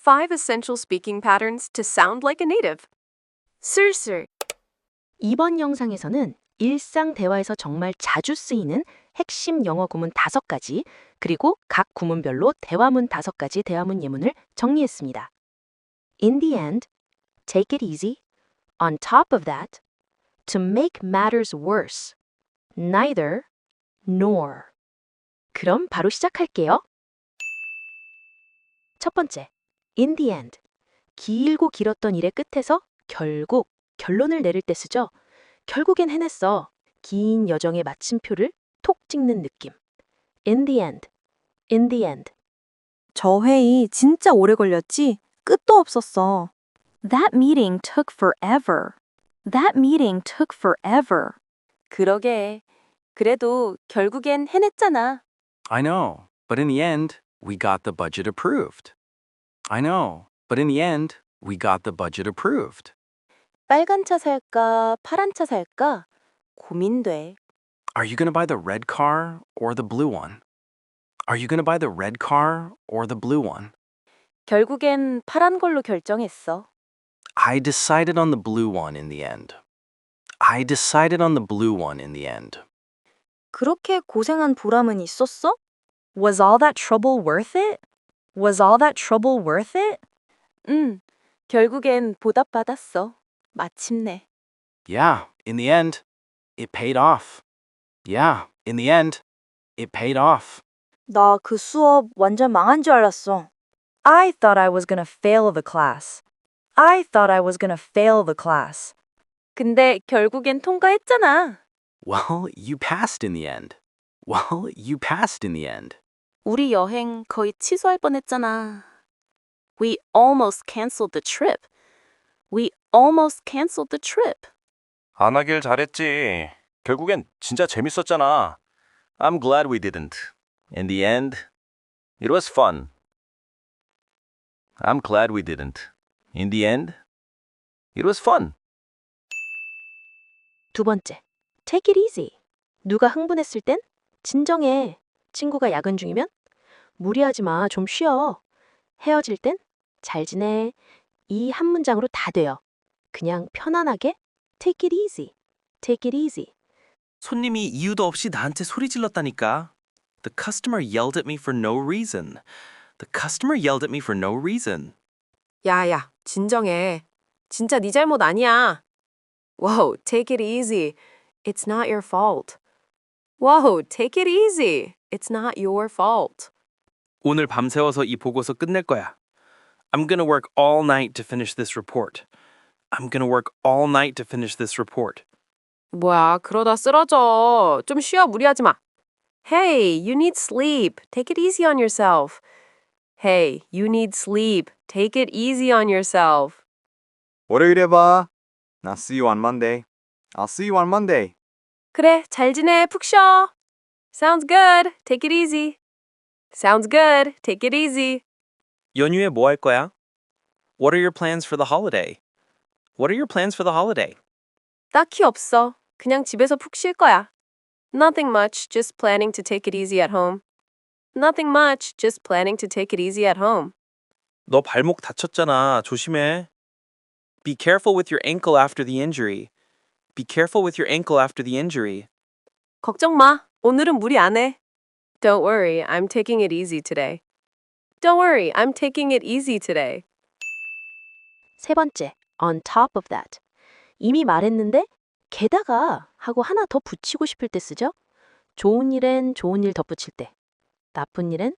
5 essential speaking patterns to sound like a native. 슬슬. 이번 영상에서는 일상 대화에서 정말 자주 쓰이는 핵심 영어 구문 5가지, 그리고 각 구문별로 대화문 5가지 대화문 예문을 정리했습니다. In the end, take it easy. On top of that, to make matters worse, neither nor. 그럼 바로 시작할게요. 첫 번째, in the end. 길고 길었던 일의 끝에서 결국 결론을 내릴 때 쓰죠. 결국엔 해냈어. 긴 여정의 마침표를 톡 찍는 느낌. In the end. In the end. 저 회의 진짜 오래 걸렸지? 끝도 없었어. That meeting took forever. That meeting took forever. 그러게. 그래도 결국엔 해냈잖아. I know, but in the end, we got the budget approved. I know, but in the end, we got the budget approved. 빨간 차 살까, 파란 차 살까? 고민돼. Are you going to buy the red car or the blue one? Are you going to buy the red car or the blue one? 결국엔 파란 걸로 결정했어. I decided on the blue one in the end. I decided on the blue one in the end. 그렇게 고생한 보람은 있었어? Was all that trouble worth it? Was all that trouble worth it? 결국엔 보답받았어. 마침내. Yeah, in the end, it paid off. Yeah, in the end, it paid off. 나 그 수업 완전 망한 줄 알았어. I thought I was gonna fail the class. I thought I was gonna fail the class. 근데 결국엔 통과했잖아. Well, you passed in the end. Well, you passed in the end. 우리 여행 거의 취소할 뻔했잖아. We almost canceled the trip. We almost canceled the trip. 안 하길 잘했지. 결국엔 진짜 재밌었잖아. I'm glad we didn't. In the end, it was fun. I'm glad we didn't. In the end, it was fun. 두 번째, take it easy. 누가 흥분했을 땐 진정해. 친구가 야근 중이면 무리하지 마, 좀 쉬어. 헤어질 땐 잘 지내. 이 한 문장으로 다 돼요. 그냥 편안하게 take it easy. take it easy. 손님이 이유도 없이 나한테 소리 질렀다니까. The customer yelled at me for no reason. The customer yelled at me for no reason. 야야, 진정해. 진짜 네 잘못 아니야. Whoa, take it easy. It's not your fault. Whoa, take it easy. It's not your fault. 오늘 밤새워서 이 보고서 끝낼 거야. I'm gonna work all night to finish this report. I'm gonna work all night to finish this report. 뭐야, 그러다 쓰러져. 좀 쉬어, 무리하지 마. Hey, you need sleep. Take it easy on yourself. Hey, you need sleep. Take it easy on yourself. 월요일에 봐. I'll see you on Monday. I'll see you on Monday. 그래, 잘 지내, 푹 쉬어. Sounds good. Take it easy. Sounds good. Take it easy. 연휴에 뭐 할 거야? What are your plans for the holiday? What are your plans for the holiday? 딱히 없어. 그냥 집에서 푹 쉴 거야. Nothing much, just planning to take it easy at home. Nothing much, just planning to take it easy at home. 너 발목 다쳤잖아. 조심해. Be careful with your ankle after the injury. Be careful with your ankle after the injury. 걱정 마. 오늘은 무리 안 해. Don't worry, I'm taking it easy today. Don't worry, I'm taking it easy today. 세 번째, on top of that. 이미 말했는데 게다가 하고 하나 더 붙이고 싶을 때 쓰죠. 좋은 일엔 좋은 일 덧붙일 때. 나쁜 일엔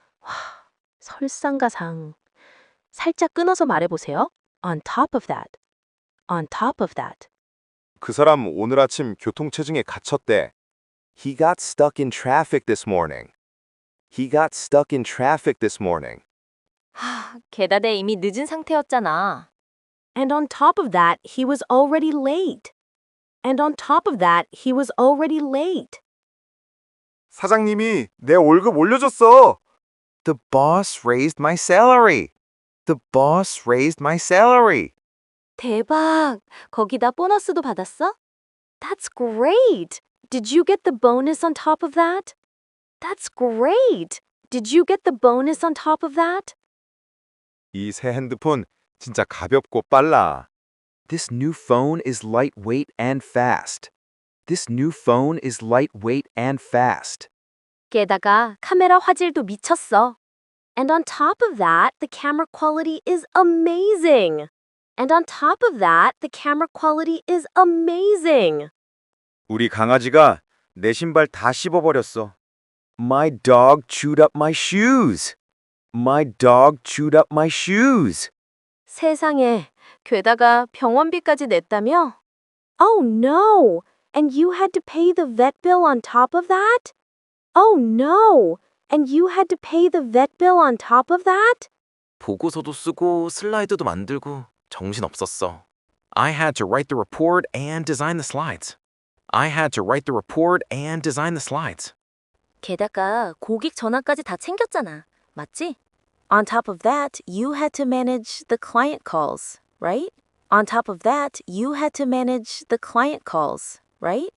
설상가상. 살짝 끊어서 말해보세요. On top of that. On top of that. 그 사람 오늘 아침 교통체증에 갇혔대. He got stuck in traffic this morning. He got stuck in traffic this morning. 게다대 이미 늦은 상태였잖아. And on top of that, he was already late. And on top of that, he was already late. 사장님이 내 월급 올려줬어. The boss raised my salary. The boss raised my salary. 대박! 거기다 보너스도 받았어? That's great! Did you get the bonus on top of that? That's great! Did you get the bonus on top of that? 이 새 핸드폰 진짜 가볍고 빨라. This new phone is lightweight and fast. This new phone is lightweight and fast. 게다가 카메라 화질도 미쳤어. And on top of that, the camera quality is amazing. And on top of that, the camera quality is amazing. 우리 강아지가 내 신발 다 씹어버렸어. My dog chewed up my shoes. My dog chewed up my shoes. 세상에, 게다가 병원비까지 냈다며? Oh no! And you had to pay the vet bill on top of that? Oh no! And you had to pay the vet bill on top of that? 보고서도 쓰고 슬라이드도 만들고 정신 없었어. I had to write the report and design the slides. I had to write the report and design the slides. 게다가 고객 전화까지 다 챙겼잖아. 맞지? On top of that, you had to manage the client calls, right? On top of that, you had to manage the client calls, right?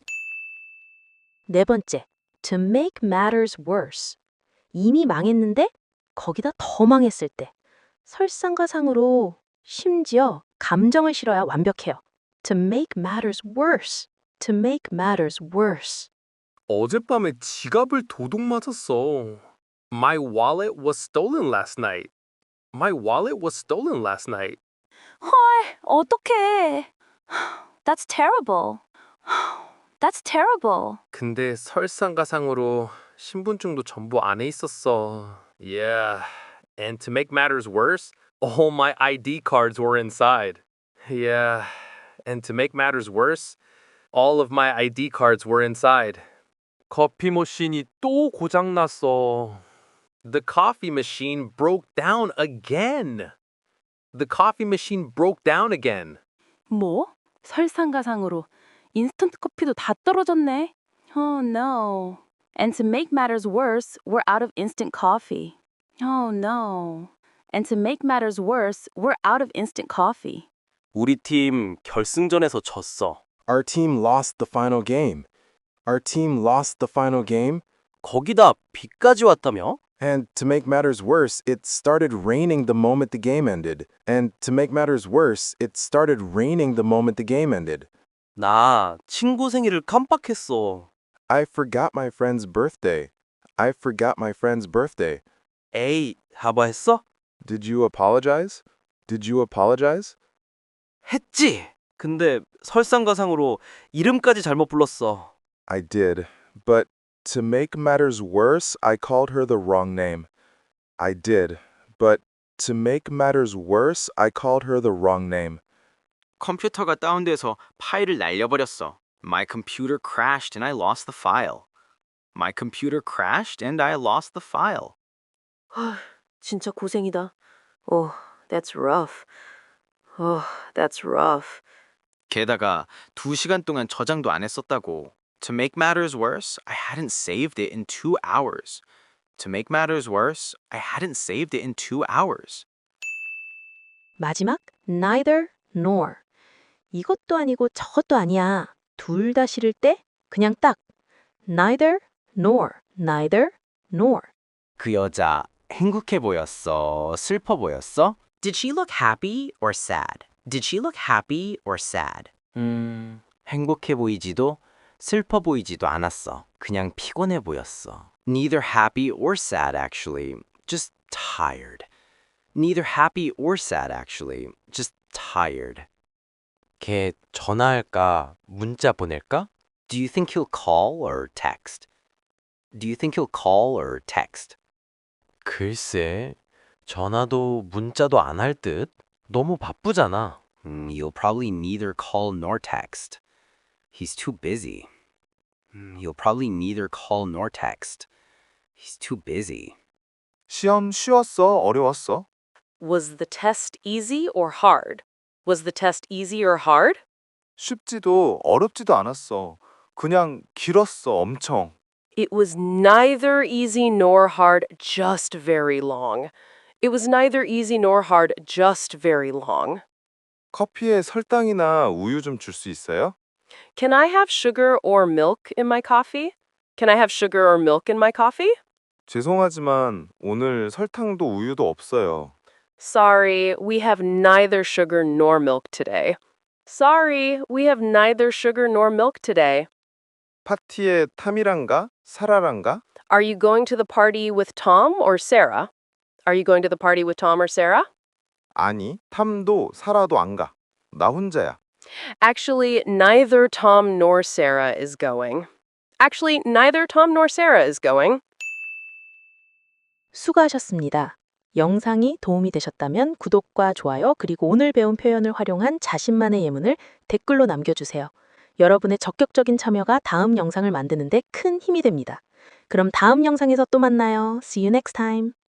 네 번째, to make matters worse. 이미 망했는데 거기다 더 망했을 때. 설상가상으로 심지어 감정을 실어야 완벽해요. To make matters worse. To make matters worse. 어젯밤에 지갑을 도둑 맞았어. My wallet was stolen last night. My wallet was stolen last night. 헐, 어떡해. That's terrible. That's terrible. 근데 설상가상으로 신분증도 전부 안에 있었어. Yeah. And to make matters worse, all my ID cards were inside. Yeah. And to make matters worse, all of my ID cards were inside. 커피 머신이 또 고장났어. The coffee machine broke down again. The coffee machine broke down again. 뭐? 설상가상으로 인스턴트 커피도 다 떨어졌네. Oh no. And to make matters worse, we're out of instant coffee. Oh no. And to make matters worse, we're out of instant coffee. 우리 팀 결승전에서 졌어. Our team lost the final game. Our team lost the final game. 거기다 비까지 왔다며? And to make matters worse, it started raining the moment the game ended. And to make matters worse, it started raining the moment the game ended. 나 친구 생일을 깜빡했어. I forgot my friend's birthday. I forgot my friend's birthday. 에이, 사과했어? Did you apologize? Did you apologize? 했지. 근데 설상가상으로 이름까지 잘못 불렀어. I did. But to make matters worse, I called her the wrong name. I did. But to make matters worse, I called her the wrong name. 컴퓨터가 다운돼서 파일을 날려버렸어. My computer crashed and I lost the file. My computer crashed and I lost the file. 진짜 고생이다. Oh, that's rough. Oh, that's rough. 게다가 2시간 동안 저장도 안 했었다고. To make matters worse, I hadn't saved it in 2 hours. To make matters worse, I hadn't saved it in 2 hours. 마지막, neither nor. 이것도 아니고 저것도 아니야. 둘 다 싫을 때 그냥 딱 neither nor, neither nor. 그 여자 행복해 보였어? 슬퍼 보였어? Did she look happy or sad? Did she look happy or sad? 행복해 보이지도 슬퍼 보이지도 않았어. 그냥 피곤해 보였어. Neither happy or sad actually. Just tired. Neither happy or sad actually. Just tired. 걔 전화할까? 문자 보낼까? Do you think he'll call or text? Do you think he'll call or text? 글쎄, 전화도 문자도 안 할 듯. 너무 바쁘잖아. He'll probably neither call nor text. He's too busy. He'll probably neither call nor text. He's too busy. 시험 쉬웠어? 어려웠어? Was the test easy or hard? Was the test easy or hard? 쉽지도 어렵지도 않았어. 그냥 길었어, 엄청. It was neither easy nor hard, just very long. It was neither easy nor hard, just very long. 커피에 설탕이나 우유 좀 줄 수 있어요? Can I have sugar or milk in my coffee? Can I have sugar or milk in my coffee? 죄송하지만 오늘 설탕도 우유도 없어요. Sorry, we have neither sugar nor milk today. Sorry, we have neither sugar nor milk today. 파티에 탐이랑 사라랑 가? Are you going to the party with Tom or Sarah? Are you going to the party with Tom or Sarah? 아니, 탐도 사라도 안 가. 나 혼자야. Actually, neither Tom nor Sarah is going. Actually, neither Tom nor Sarah is going. 수고하셨습니다. 영상이 도움이 되셨다면 구독과 좋아요 그리고 오늘 배운 표현을 활용한 자신만의 예문을 댓글로 남겨주세요. 여러분의 적극적인 참여가 다음 영상을 만드는 데 큰 힘이 됩니다. 그럼 다음 영상에서 또 만나요. See you next time.